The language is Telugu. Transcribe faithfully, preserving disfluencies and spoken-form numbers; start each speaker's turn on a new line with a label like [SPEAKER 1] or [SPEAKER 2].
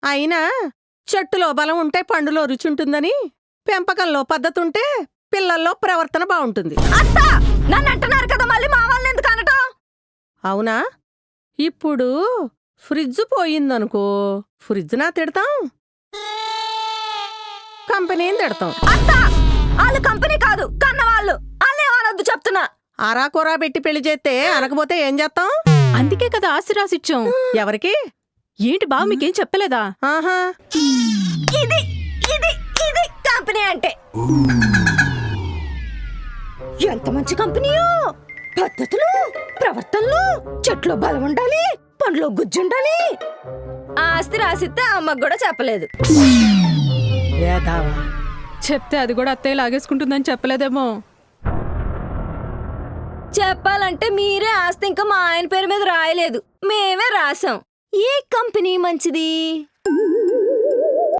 [SPEAKER 1] అయినా చెట్టులో బలం ఉంటే పండులో రుచుంటుందని, పెంపకంలో పద్ధతుంటే పిల్లల్లో ప్రవర్తన బావుంటుంది.
[SPEAKER 2] అత్తా నన్ను అంటున్నారు కదా, మళ్ళీ మా వాళ్ళని ఎందుకు అనటం?
[SPEAKER 1] అవునా? ఇప్పుడు ఫ్రిడ్జ్ పోయిందనుకో, ఫ్రిడ్జ్ నా తిడతాం, కంపెనీని తిడతాం.
[SPEAKER 2] అత్తా వాళ్ళు కంపెనీ కాదు కన్నవాళ్ళు, వాళ్ళే అనొద్దు చెప్తున్నా.
[SPEAKER 1] ఆరాకూరా పెట్టి పెళ్లి చేస్తే అనకపోతే ఏం చేస్తాం?
[SPEAKER 3] అందుకే కదా ఆశీర్వాసిచ్చాం.
[SPEAKER 1] ఎవరికి?
[SPEAKER 3] ఏంటి బావ మీకేం చెప్పలేదా?
[SPEAKER 1] ఆహా,
[SPEAKER 2] ఇది ఇది ఇది కంపెనీ అంటే. ఎంత మంచి కంపెనీయో! పద్ధతులు, ప్రవర్తనలు, చెట్లో బలం ఉండాలి, పండ్లో గుజ్జుండాలి. ఆస్తి రాసిస్తే అమ్మకు కూడా చెప్పలేదు.
[SPEAKER 1] వేదావా.
[SPEAKER 3] చెప్తే అది కూడా అత్తయ్య లాగేసుకుంటుందని చెప్పలేదేమో.
[SPEAKER 2] చెప్పాలంటే మీరే ఆస్తి ఇంకా మా ఆయన పేరు మీద రాయలేదు, మేమే రాసాం. ఏ కంపెనీ మంచిది?